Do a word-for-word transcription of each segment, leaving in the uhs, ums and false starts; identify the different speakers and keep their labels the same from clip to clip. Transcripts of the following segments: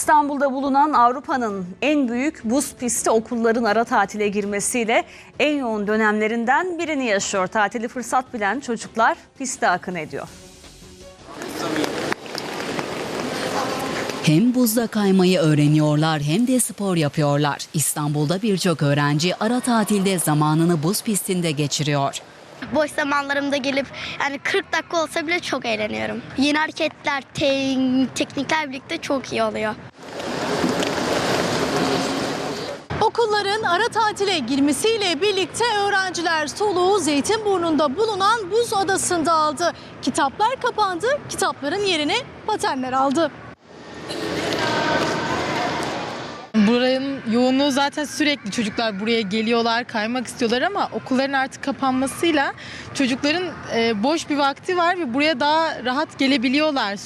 Speaker 1: İstanbul'da bulunan Avrupa'nın en büyük buz pisti okulların ara tatile girmesiyle en yoğun dönemlerinden birini yaşıyor. Tatili fırsat bilen çocuklar piste akın ediyor.
Speaker 2: Hem buzda kaymayı öğreniyorlar hem de spor yapıyorlar. İstanbul'da birçok öğrenci ara tatilde zamanını buz pistinde geçiriyor.
Speaker 3: Boş zamanlarımda gelip yani kırk dakika olsa bile çok eğleniyorum. Yeni hareketler, te teknikler birlikte çok iyi oluyor.
Speaker 4: Okulların ara tatile girmesiyle birlikte öğrenciler soluğu Zeytinburnu'nda bulunan buz adasında aldı. Kitaplar kapandı, kitapların yerini patenler aldı.
Speaker 5: Buranın yoğunluğu zaten sürekli, çocuklar buraya geliyorlar, kaymak istiyorlar ama okulların artık kapanmasıyla çocukların e, boş bir vakti var ve buraya daha rahat gelebiliyorlar.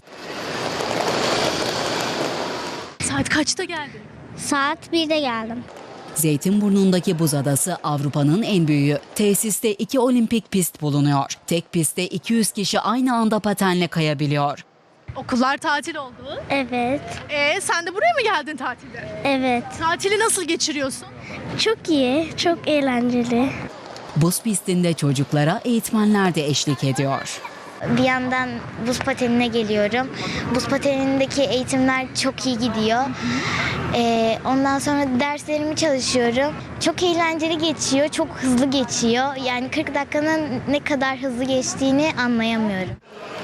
Speaker 4: Saat kaçta geldin?
Speaker 3: Saat birde geldim.
Speaker 2: Zeytinburnu'ndaki buz adası Avrupa'nın en büyüğü. Tesiste iki olimpik pist bulunuyor. Tek pistte iki yüz kişi aynı anda patenle kayabiliyor.
Speaker 4: Okullar tatil oldu.
Speaker 3: Evet,
Speaker 4: Ee, sen de buraya mı geldin tatilde?
Speaker 3: evet.
Speaker 4: Tatili nasıl geçiriyorsun?
Speaker 3: Çok iyi, çok eğlenceli.
Speaker 2: Buz pistinde çocuklara eğitmenler de eşlik ediyor.
Speaker 3: Bir yandan buz patenine geliyorum. Buz patenindeki eğitimler çok iyi gidiyor. Ee, ondan sonra derslerimi çalışıyorum. Çok eğlenceli geçiyor, çok hızlı geçiyor. Yani kırk dakikanın ne kadar hızlı geçtiğini anlayamıyorum.